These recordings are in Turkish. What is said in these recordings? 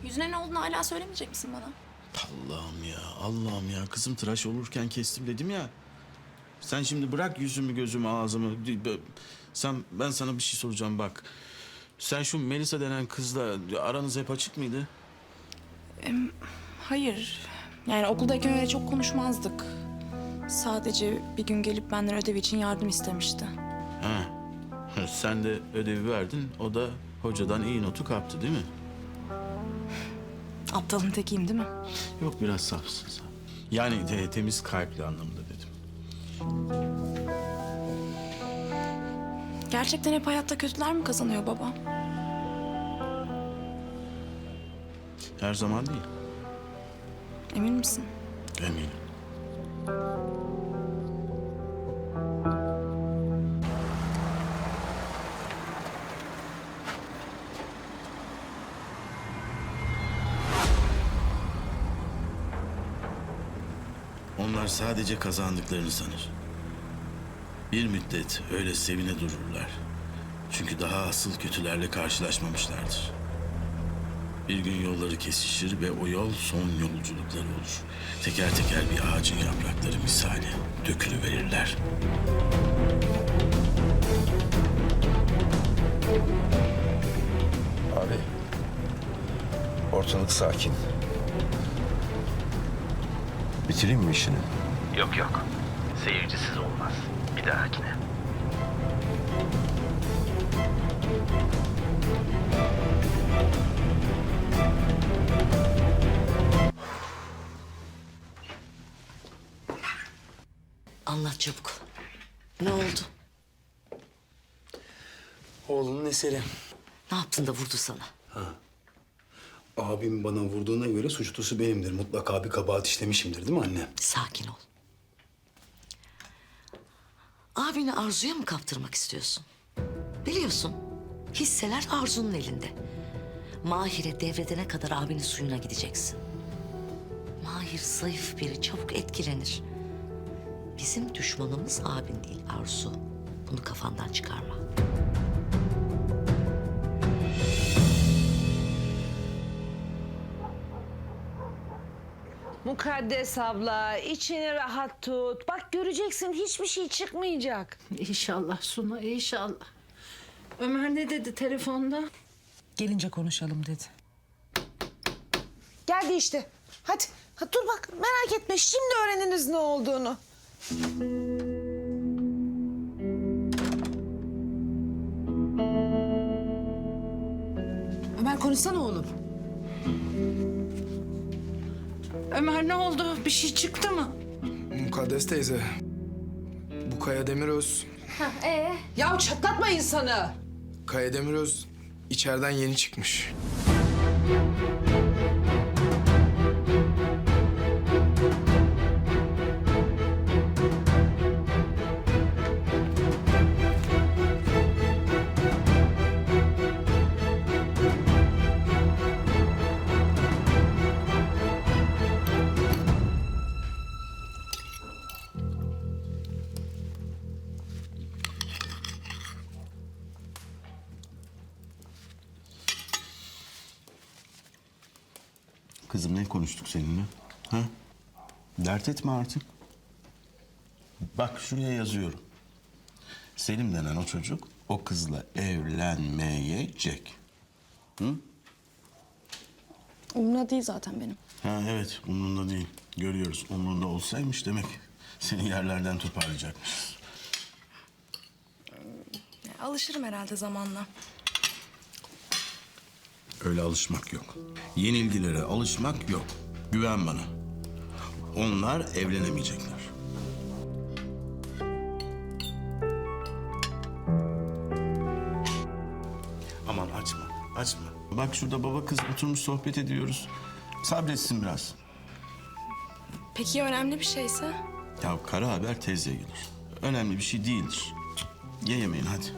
Yüzüne ne olduğunu hala söylemeyecek misin bana? Allah'ım ya, Allah'ım ya. Kızım tıraş olurken kestim dedim ya. Sen şimdi bırak yüzümü, gözümü, ağzımı. Ben sana bir şey soracağım bak. Sen şu Melisa denen kızla aranız hep açık mıydı? Hayır. Yani okuldayken öyle çok konuşmazdık. Sadece bir gün gelip benden ödev için yardım istemişti. Ha. Sen de ödevi verdin. O da hocadan iyi notu kaptı değil mi? Aptalın tekiyim değil mi? Yok biraz safsın sen. Yani temiz kalpli anlamında dedim. Gerçekten hep hayatta kötüler mi kazanıyor baba? Her zaman değil. Emin misin? Eminim. Onlar sadece kazandıklarını sanır. Bir müddet öyle sevine dururlar. Çünkü daha asıl kötülerle karşılaşmamışlardır. Bir gün yolları kesişir ve o yol son yolculukları olur. Teker teker bir ağacın yaprakları misali dökülüverirler. Abi, ortalık sakin. Bitireyim mi işini? Yok yok. Seyircisiz olmaz. Bir dahakine. Anlat çabuk. Ne oldu? Oğlunun eseri. Ne yaptın da vurdu sana? Abim bana vurduğuna göre suçlusu benimdir. Mutlaka bir kabahat işlemişimdir değil mi anne? Sakin ol. Abini Arzu'ya mı kaptırmak istiyorsun? Biliyorsun, hisseler Arzu'nun elinde. Mahir'e devredene kadar abinin suyuna gideceksin. Mahir zayıf biri, çabuk etkilenir. Bizim düşmanımız abin değil Arzu. Bunu kafandan çıkarma. Mukaddes abla, içini rahat tut. Bak göreceksin hiçbir şey çıkmayacak. İnşallah Suna, inşallah. Ömer ne dedi telefonda? Gelince konuşalım dedi. Geldi işte. Hadi, dur bak merak etme. Şimdi öğreniniz ne olduğunu. Ömer konuşsana oğlum. Ömer ne oldu? Bir şey çıktı mı? Mukaddes teyze. Bu Kaya Demiröz. Ya çatlatma insanı. Kaya Demiröz içeriden yeni çıkmış. Kızım ne konuştuk seninle? Ha? Dert etme artık. Bak şuraya yazıyorum. Selim denen o çocuk o kızla evlenmeyecek. Hı? Umurumda değil zaten benim. Ha evet umurunda değil. Görüyoruz. Umurunda olsaymış demek seni yerlerden toparlayacakmış. Alışırım herhalde zamanla. Öyle alışmak yok. Yenilgilere alışmak yok. Güven bana. Onlar evlenemeyecekler. Aman açma, açma. Bak şurada baba kız oturmuş sohbet ediyoruz. Sabretsin biraz. Peki ya önemli bir şeyse? Ya kara haber tez yayılır. Önemli bir şey değildir. Ye yemeğini hadi.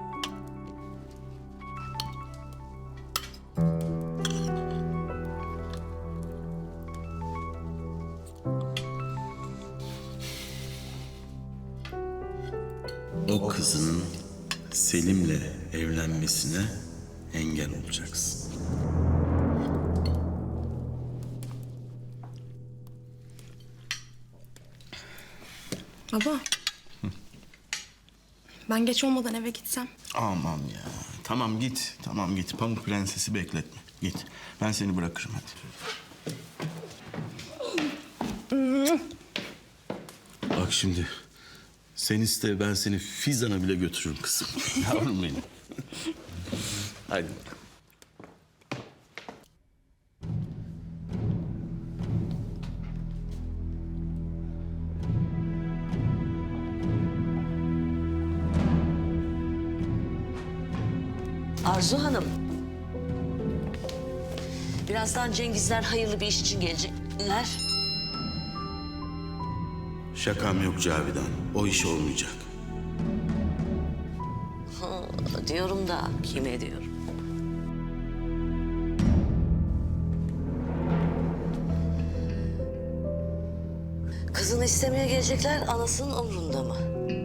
O kızın Selim'le evlenmesine engel olacaksın. Baba. Ben geç olmadan eve gitsem. Aman ya. Tamam git. Tamam git. Pamuk Prenses'i bekletme. Git. Ben seni bırakırım hadi. Bak şimdi. Sen iste ben seni Fizan'a bile götürürüm kızım. Yavrum benim. Hadi. Arzu Hanım. Birazdan Cengizler hayırlı bir iş için gelecekler. Şakam yok Cavidan. O iş olmayacak. Diyorum da kime diyorum. Kızını istemeye gelecekler, anasının umrunda mı?